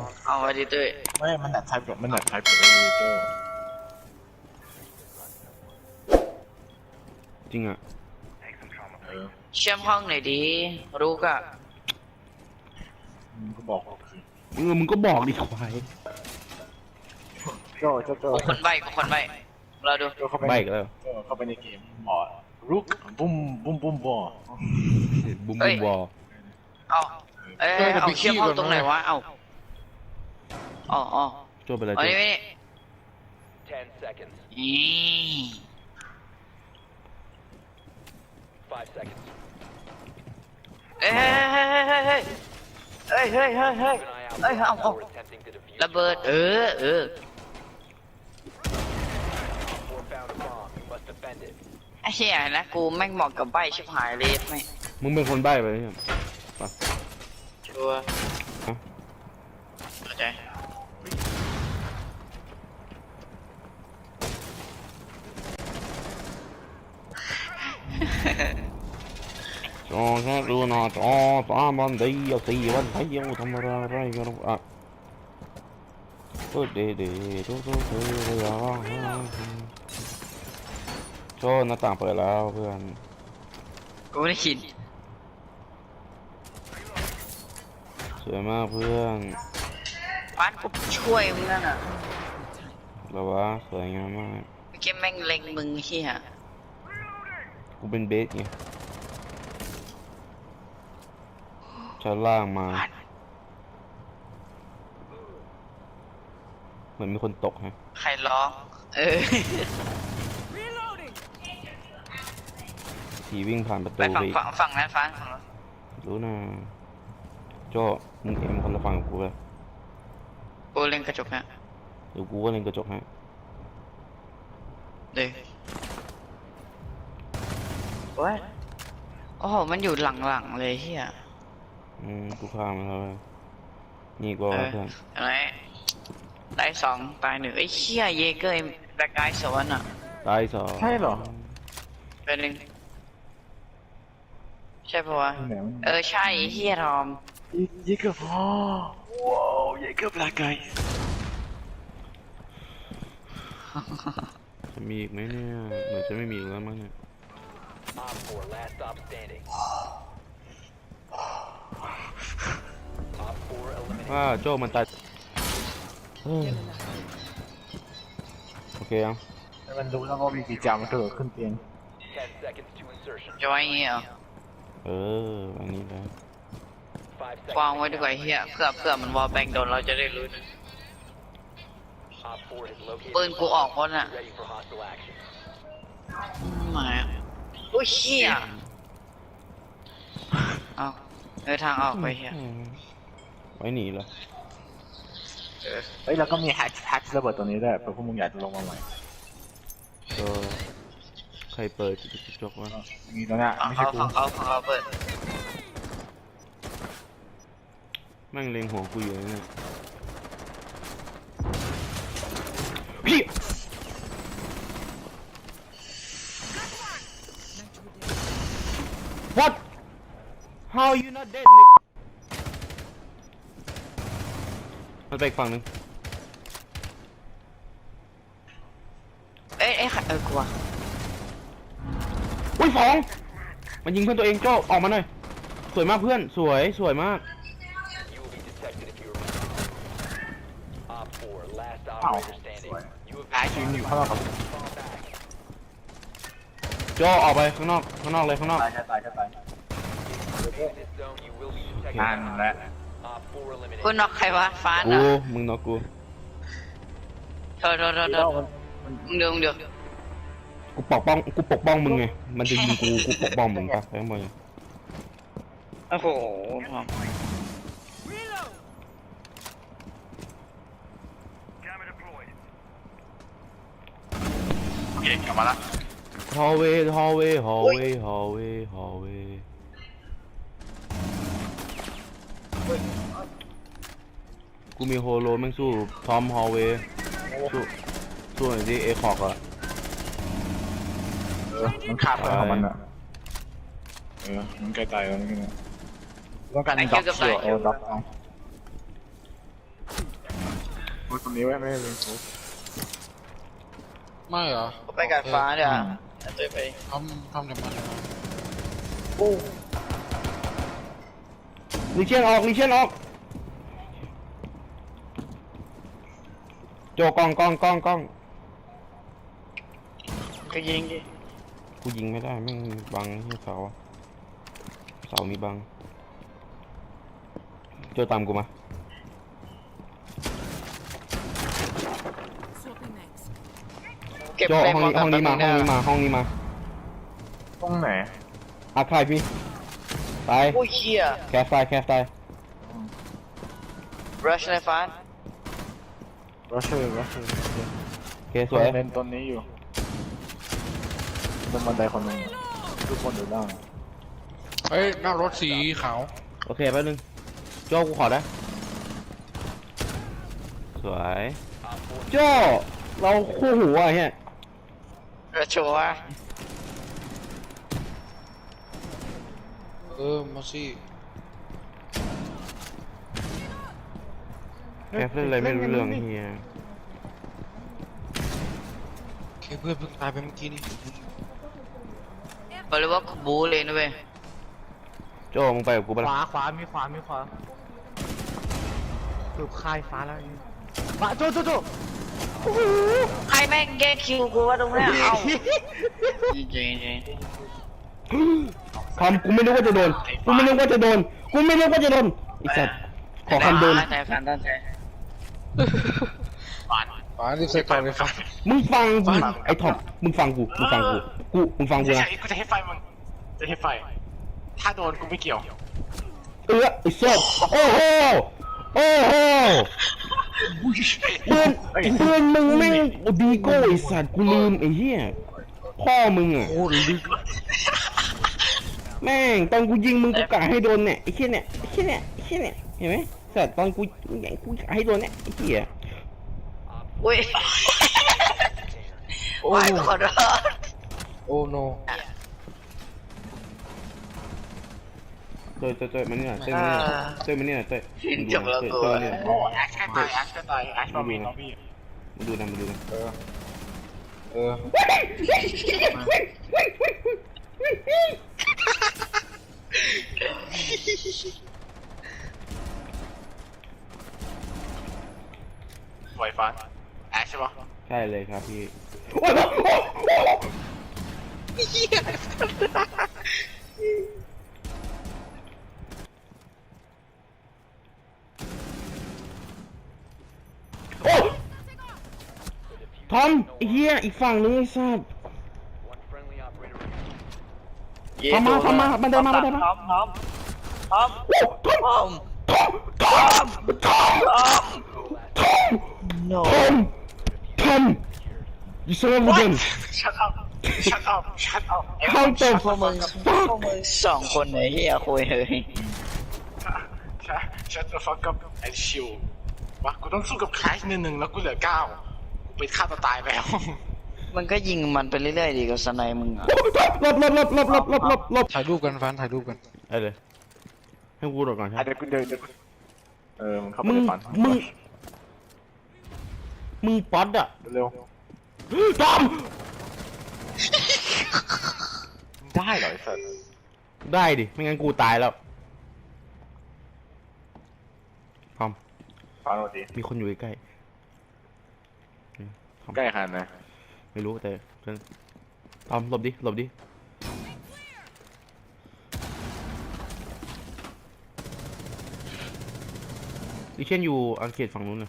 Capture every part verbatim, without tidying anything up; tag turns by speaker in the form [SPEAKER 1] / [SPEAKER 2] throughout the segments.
[SPEAKER 1] เอาไว้ดิเต้ย
[SPEAKER 2] ไม่มันหนักไทป์มันหนักไทป์กับไอ้เจ้า
[SPEAKER 3] จริงอ่ะ
[SPEAKER 1] เชื่อมห้องหน่อยดิรู้กะ
[SPEAKER 2] มึงก็บอกสิ
[SPEAKER 3] เออมึงก็บอกดิควาย
[SPEAKER 2] เจ้าเจ้าเจ้า
[SPEAKER 1] กูคนใบกูคนใบเราดู
[SPEAKER 2] เจ้าเข้าไป
[SPEAKER 3] ใบกันแล้ว
[SPEAKER 2] เจ้าเข้าไปในเกมบอดรุกบุ้มบุ้มบุ้มบอด
[SPEAKER 3] บุ้มบุ้มวอล
[SPEAKER 1] เอาเอ้ยเอาเชื่อมห้องตรงไหนวะเอาอ๋ออ๋อ
[SPEAKER 3] โจ้ไปเลย
[SPEAKER 1] เอา
[SPEAKER 3] โจ้
[SPEAKER 1] ดินี่
[SPEAKER 4] Ten seconds.
[SPEAKER 1] นี่
[SPEAKER 4] Five seconds.
[SPEAKER 1] เอ้ยเฮ้ยเฮ้ยเฮ้ยเฮ้ย
[SPEAKER 4] Keep an eye out
[SPEAKER 1] เอ้ย
[SPEAKER 4] for
[SPEAKER 1] เอา
[SPEAKER 4] Op
[SPEAKER 1] เอา
[SPEAKER 4] four attempting to defuse
[SPEAKER 1] ระเบิด
[SPEAKER 4] the
[SPEAKER 1] เอ
[SPEAKER 4] bomb.
[SPEAKER 1] อเออ
[SPEAKER 4] Op four found a bomb. You must defend it.
[SPEAKER 1] ไอ้เหี้ยนะกูแม่งเหมาะกับใบชิบหายเลยไม่
[SPEAKER 3] มึงเป็นคนใบ้ไปเนี่ย
[SPEAKER 1] ชัวร์เข้าใจ
[SPEAKER 3] จอแค่ดูหน้าจอสามวันเดียวสี่วันเดียวทำอะไรกันอ่ะก็เดเดดูดูดูดูโจ้หน้าต่างเปิดแล้วเพื่อน
[SPEAKER 1] กูไม่ได้คิด
[SPEAKER 3] สวยมากเพื่อน
[SPEAKER 1] ฟันกูช่วยมึงนั่นอ่ะ
[SPEAKER 3] แล้ววะสวยงามมาก
[SPEAKER 1] เมื่อกี้แม่งเล็งมึงเหี้ย
[SPEAKER 3] กูเป็นเบสไงชั้นล่างมาเหมือนมีคนตกฮะ
[SPEAKER 1] ใครร้องเออ
[SPEAKER 3] ผีวิ่งผ่านประ
[SPEAKER 1] ไป
[SPEAKER 3] ตู
[SPEAKER 1] ฝั่
[SPEAKER 3] ไป
[SPEAKER 1] งฝั่งฝั่งนั้นฟันฝั่งนั้น
[SPEAKER 3] รู้นะโจ้มึงเอ็มคนละฝั่งกับกูเลย
[SPEAKER 1] กูเล็งกระจกฮะ
[SPEAKER 3] เดี๋ยวกูก็เล่นกระจกให้
[SPEAKER 1] เดี๋ยวโอ้ยโอ้โหมันอยู่หลังๆเลยเฮีย
[SPEAKER 3] อืมกูฆ่ามันแล้วเว้ยนี่ก็
[SPEAKER 1] เออ
[SPEAKER 3] เพื่อน
[SPEAKER 1] อะไรได้สองตายหนึ่งไอ้เฮียเยเกอร์แบล็กไกด์สวนอ่ะ
[SPEAKER 3] ตายสอง
[SPEAKER 2] ใช่เหรอ
[SPEAKER 1] เป็นหนึ่งใช่ปะวะ
[SPEAKER 2] ไหนมัน
[SPEAKER 1] เออใช่ไอ้เฮียทอม
[SPEAKER 2] ยี่เกือบอ๋อว้าวยี่เกือบลาไก่
[SPEAKER 3] จะมีอีกไหมเนี่ยเหมือนจะไม่มีอีกแล้วมั้งเนี่ย
[SPEAKER 4] Op four last stop standing. Op four
[SPEAKER 3] ว่า
[SPEAKER 4] eliminated.
[SPEAKER 3] โจ้มันตายเฮ้ยโอเคยัง
[SPEAKER 2] ให้มันรู้แล้วว่ามีกี่จามมันเกิดขึ้นเตียง
[SPEAKER 4] Ten seconds to insertion.
[SPEAKER 1] จะไว้อย่างงี้เหรอ
[SPEAKER 3] เอออันนี้แหละ
[SPEAKER 4] Five
[SPEAKER 1] วาง
[SPEAKER 4] seconds.
[SPEAKER 1] ไว้ดีกว่าไอ้เฮียเพื่อเพื่อมันวอลแบงโดนเราจะได้รู้นะ
[SPEAKER 4] Op four has located.
[SPEAKER 1] ปืนกูออกหมดอ่ะ
[SPEAKER 4] Ready for hostile action.
[SPEAKER 1] หมายโอ้ยเฮียเอาเออทางออกไปเฮีย
[SPEAKER 3] ไว้หนีเหรอ
[SPEAKER 2] เฮ้ยแล้วก็มีแฮชแฮชระเบิดตัวนี้ด้วยเผื่อพวกมึงอยากจะลงมาใหม่
[SPEAKER 3] ก็ใครเปิดกระจกวะ
[SPEAKER 2] มีตัวเนี้ย
[SPEAKER 1] ฝั่ง
[SPEAKER 2] ไม่ใช่
[SPEAKER 1] เขา
[SPEAKER 2] กู
[SPEAKER 1] ฝั่งเขาฝั่งเขาเปิด
[SPEAKER 3] แม่งเล็งหัวกูอยู่เนี่ยพี่ What How you not dead Nick มันไปอีกฝั่งหนึง
[SPEAKER 1] เอ้ยเอ้ยใครเออกลัว
[SPEAKER 3] อุ้ยสองมันยิงเพื่อนตัวเองโจ้ออกมาหน่อยสวยมากเพื่อนสวยสวยมาก
[SPEAKER 4] You will be detected if you remain. Op four last operator standing. You have
[SPEAKER 2] แฮชยืนอยู่ข้างนอกกับ
[SPEAKER 4] been fall back.
[SPEAKER 3] โจ้ออกไปข้างนอกข้างนอกเลยข้างนอก
[SPEAKER 2] ตายจะตายจะตาย
[SPEAKER 4] In this zone, you will be detected.
[SPEAKER 2] นั่นแหละ
[SPEAKER 4] Op four
[SPEAKER 1] กู
[SPEAKER 4] eliminated.
[SPEAKER 1] น็อกใครวะฟ้า
[SPEAKER 3] กู
[SPEAKER 1] น่ะ
[SPEAKER 3] มึงนอกกู
[SPEAKER 1] โทษโทษโทษโทษมึงเดี๋ยวมึงเดี๋ยว
[SPEAKER 3] กูปกป้องกูปกป้องมึงไงมันจะยิงกูกูปกป้องมึงปะแค่ไหน
[SPEAKER 1] โอ้โห
[SPEAKER 2] โอเคกลับมาละ
[SPEAKER 3] hallway hallway hallway hallway hallway กูมีโฮโลแม่งสู้ทอม hallway สู้สู้หน่อยดิเอคอกอะ
[SPEAKER 2] เออมันฆ่าเพื่อนของมันอะเออมันใกล้ตายแล้วนี่นะต้องการด็อกเชียวเออด็อกเอาตรงนี้ไว้ไม่ได้เลย
[SPEAKER 5] ไม่เหรอ
[SPEAKER 1] ไปกัดฟ้าเดี๋ยวเต้ยไป
[SPEAKER 5] ทำทำแต่มัน
[SPEAKER 3] ลิเชียนออกลิเชียนออกโจกล้องกล้องกล้องกล้อง
[SPEAKER 1] ก็ยิงดิ
[SPEAKER 3] กูยิงไม่ได้แม่งบังที่เสาเสามีบังโจตามกูมา
[SPEAKER 6] Swapping mags.
[SPEAKER 1] เก็บ
[SPEAKER 3] โจ
[SPEAKER 1] เฟร
[SPEAKER 3] ห้
[SPEAKER 1] ม
[SPEAKER 3] องนี้ห้องนี้มาห้องนี้มาห้องนี้มา
[SPEAKER 2] ตรงไหน
[SPEAKER 3] อัดไฟพี่ตาย
[SPEAKER 1] โอ้ยเหี้ย
[SPEAKER 3] แคสไฟแคสไฟ
[SPEAKER 1] รัชในฟ้า
[SPEAKER 2] รัชเชอร์รัชเชอร์
[SPEAKER 3] โอเคสวย
[SPEAKER 2] เล่นต้นนี้อยู่บนบันไดคนหนึ่งทุกคนอยู่ล่าง
[SPEAKER 5] เฮ้ยหน้ารถสีขาว
[SPEAKER 3] โอเคแป๊บนึงโจกูขอได้สวยโจเราคู่หูอ่ะเฮีย
[SPEAKER 1] กระโชว์ว่า
[SPEAKER 5] เออมาสิ
[SPEAKER 3] แคสเล่นอะไรไม่รู้เรื่องเฮีย
[SPEAKER 5] แค่เพื่อนเพิ่งตายไปเมื่อกี้นี่
[SPEAKER 1] บอกเลยว่ากูบูเลยนะเว้ย
[SPEAKER 3] โจมึงไปกับกู
[SPEAKER 7] ข
[SPEAKER 3] ปะล่ะ
[SPEAKER 7] วาขวามีขวามีขวาสืบค่ายฟ้าแล้วนี่มาโจโจโจ
[SPEAKER 1] ใครแม่งแก้คิวกูว่าตรงเนี้ยเอ้าจริงจริงจริง
[SPEAKER 3] ทำกูไม่นึกว่าจะโดนกูไม่นึกว่าจะโดนกูไม่นึกว่าจะโดนไอ้สัตว์ขอคำโดน
[SPEAKER 1] ใจฟันตั้งใจ
[SPEAKER 5] ฟ้ารีบใส่ก่อนเลยฟ้า
[SPEAKER 3] มึงฟังกูไอ้ทอมมึงฟังกูมึงฟังกูกูมึงฟังกูนะ
[SPEAKER 2] กูจะให้ไฟมึงจะให้ไฟถ้าโดนกูไม่เกี่ยว
[SPEAKER 3] เออไอ้สัตว์โอ้โหโอ้โหเปืนเปืนมึงแม่งดีโก้ไอ้สัตว์กูลืมไอ้เหี้ยพ่อมึงอ่ะ
[SPEAKER 5] โอ้ลึก
[SPEAKER 3] แม่งตอนกูยิงมึงกูกะให้โดนเนี่ยไอ้เหี้ยเนี่ยไอ้เหี้ยเนี่ยไอ้เหี้ยเนี่ยเห็นไหมสัตว์ตอนกูยิงกูกะให้โดนเนี่ยไอ้เหี้ย
[SPEAKER 1] อุ้ย
[SPEAKER 5] โอ้
[SPEAKER 1] ไม่ขอโทษ
[SPEAKER 5] โอ้โน
[SPEAKER 3] เตยเตยเตยมันเนี่ยเตยมันเนี่ยเตยมันเนี่ยเตย
[SPEAKER 1] จบแล้วกู
[SPEAKER 3] เตยเนี่ย
[SPEAKER 2] โอ้แอชก็ตายแอชก็ตายแอชมามีน้องพี่
[SPEAKER 3] มาดูนะมาดูนะ
[SPEAKER 5] เออเออ
[SPEAKER 2] ไวฟ้าแอชใช่ปะ
[SPEAKER 3] ใช่เลยครับพี่โอ้ทอมไอ้เหี้ยอีกฝั่งนึงไอ้สัตว์
[SPEAKER 4] One friendly operator.
[SPEAKER 3] ทำมาทำมามันเดินมามันเดินมา
[SPEAKER 1] พร้อมพร้อมพร้อม
[SPEAKER 3] โอ้ทอม
[SPEAKER 1] พร้อม
[SPEAKER 3] ทอมทอมทอมทอมทอม
[SPEAKER 1] no
[SPEAKER 3] ทอมทอม you son of a gun
[SPEAKER 2] shut up shut up shut up
[SPEAKER 3] how the
[SPEAKER 1] พวกมึงพวกมึงสองคนไหนเฮียคุยเลย
[SPEAKER 2] shut the fuck up and chill วะกูต้องสู้กับแคชหนึ่งหนึ่งแล้วกูเหลือเก้ากูไปฆ่าตัวตายแล้ว
[SPEAKER 1] มันก็ยิงมันไปเรื่อยๆดีกับสไนมึงอ่ะ
[SPEAKER 3] หลบหลบหลบหลบหลบหลบหลบหลบ
[SPEAKER 5] ถ่ายรูปกันฟ้าถ่ายรูปกัน
[SPEAKER 3] ได้เลยให้กูโดดก่อนใช่
[SPEAKER 2] อ่ะเดี๋ยวกูเดินเดี๋ยวกูเออมึงเข้าไป
[SPEAKER 3] มึง
[SPEAKER 2] ในฝัน
[SPEAKER 3] มึงมึงป๊อตอะ
[SPEAKER 2] เร็ว
[SPEAKER 3] ทอม
[SPEAKER 2] ๆได้เหรอไอ้สัส
[SPEAKER 3] ได้ดิไม่งั้นกูตายแล้วทอม
[SPEAKER 2] ฟังเราดี
[SPEAKER 3] มีคนอยู่ใกล้ทอม
[SPEAKER 2] ใกล้ขนาดไหน
[SPEAKER 3] ไม่รู้แต่เพื่อนทอมหลบดิหลบดิดิเช่นอยู่อังกฤษฝั่งนู้นนะ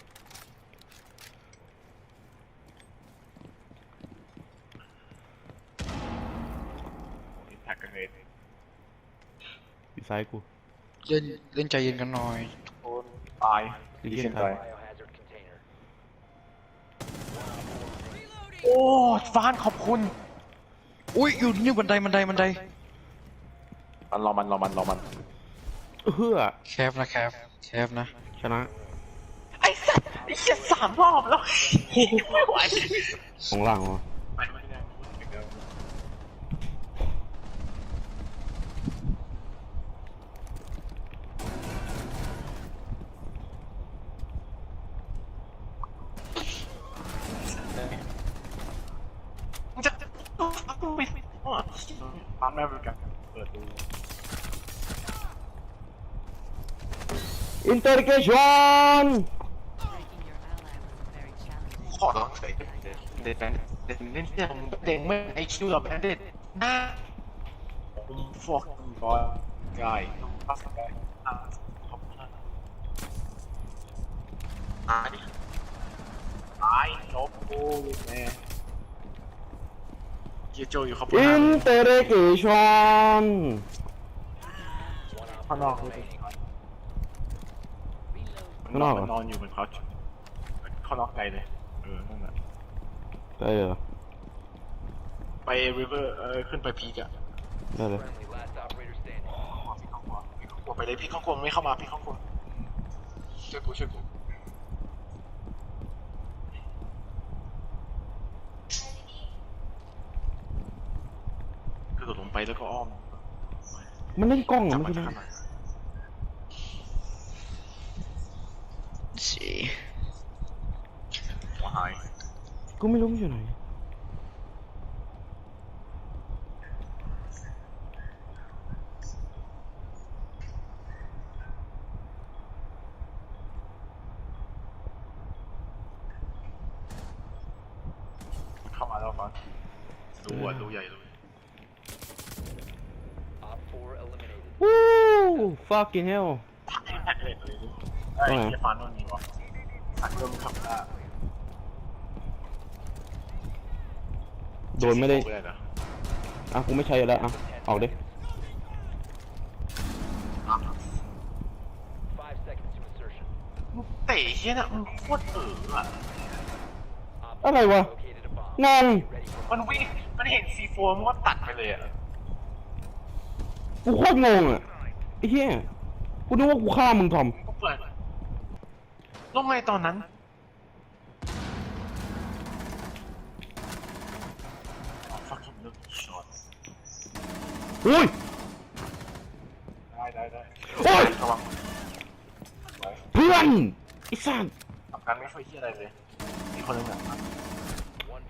[SPEAKER 2] แท็กกันเลย
[SPEAKER 3] อยู่ซ้ายกู
[SPEAKER 5] เล่นเล่นใจเย็นกันหน่อย
[SPEAKER 2] โอนตาย
[SPEAKER 3] ดิ
[SPEAKER 2] ดี
[SPEAKER 3] เช่
[SPEAKER 2] เช่
[SPEAKER 3] น
[SPEAKER 2] น
[SPEAKER 3] ตา
[SPEAKER 2] ตาย ย
[SPEAKER 4] Biohazard container.
[SPEAKER 2] โอ้ฟานขอบคุณ
[SPEAKER 5] อุ้ยอยู่นี่บันไดบันไดบันได
[SPEAKER 2] มันรอมันรอมันรอมัน
[SPEAKER 3] เฮ้อ
[SPEAKER 5] แคฟนะแคฟแคฟนะ
[SPEAKER 3] ชนะ
[SPEAKER 2] ไอ้สัสไอ้เหี้ยสามรอบแล้วไหว
[SPEAKER 3] ของล่างวะ
[SPEAKER 2] ไปไม่ได้ปั๊มแม่บริการเปิดดู
[SPEAKER 3] interrogation
[SPEAKER 2] ขอร้องเลยเด็ดเด็ดเด็ดเล่นเรื่องเด็กไม่ไอคิวหรอกเด็ดหน้าผมฟอกบอยกายปัสกายขอบคุณนะตายตายจบโอ้ยแม่เกียร์โจอยู่ขอบคุณนะ
[SPEAKER 3] interrogation
[SPEAKER 7] ข้างนอกเลย
[SPEAKER 2] มันนอนมันนอนอยู่บนเขาเขาล็อกไกลเลยเออนั่นแหละ
[SPEAKER 3] ได้เหรอ
[SPEAKER 2] ไปริเวอร์เออขึ้นไปพีกอะ
[SPEAKER 3] ได้เลย
[SPEAKER 4] Friendly, last operator standing.
[SPEAKER 2] พี่ข้องกลัวพี่ข้องกลัวไปเลยพี่ข้องกลัวไม่เข้ามาพี่ข้องกลัวช่วยกูช่วยกูกระโดดลงไปแล้วก็อ้อม
[SPEAKER 3] มันเล่นกล้องเหร
[SPEAKER 2] จั
[SPEAKER 3] อบ มัน
[SPEAKER 2] มา
[SPEAKER 3] คือ
[SPEAKER 2] ทำ
[SPEAKER 3] อะไร
[SPEAKER 2] ไม
[SPEAKER 1] สี
[SPEAKER 2] หัวหาย
[SPEAKER 3] กูไม่รู้มันอยู่ไหน
[SPEAKER 2] เข้ามาแล้วฟังดูอ่ะดูใหญ่เลย
[SPEAKER 4] Op four eliminated.
[SPEAKER 3] วู้ fucking hell
[SPEAKER 2] แพ็คเลยเลยไอ้เกียร์ฟันมันมีวะสักเริ่มขับได้
[SPEAKER 3] โดนไม่ได้
[SPEAKER 2] เลยนะ
[SPEAKER 3] อ่ะกูไม่ใช้อยู่แล้วอ่ะออกดิ
[SPEAKER 4] Five seconds to insertion.
[SPEAKER 2] เตะเฮียน่ะมันโคตรเอ๋ออะ
[SPEAKER 4] Op
[SPEAKER 3] อะไรวะ
[SPEAKER 4] located a bomb.
[SPEAKER 3] งง
[SPEAKER 4] Ready for
[SPEAKER 2] มันวิ่งมันเห็นซีโฟมันก็ตัดไปเลยอ่ะ
[SPEAKER 3] กูโคตรงงอ่ะไอ้เหี้ยกูนึกว่ากูฆ่ามึงทอม
[SPEAKER 2] ก็เปิดลงไงตอนนั้นฟักกิ้งเลิกช็อต
[SPEAKER 3] อุ้ย
[SPEAKER 2] ได้ได้ได้
[SPEAKER 3] โอ๊ย
[SPEAKER 2] ระวังไว้
[SPEAKER 3] เพื่อนไอ้สัส
[SPEAKER 2] ทำการไม่ค่อยเฮียอะไรเลยมีคนหนึงอ่ะ
[SPEAKER 4] one.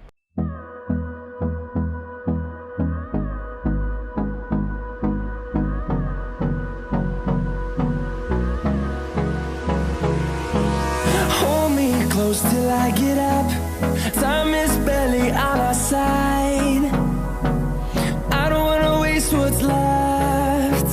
[SPEAKER 6] Hold me close till I get up. Time is barely on our side.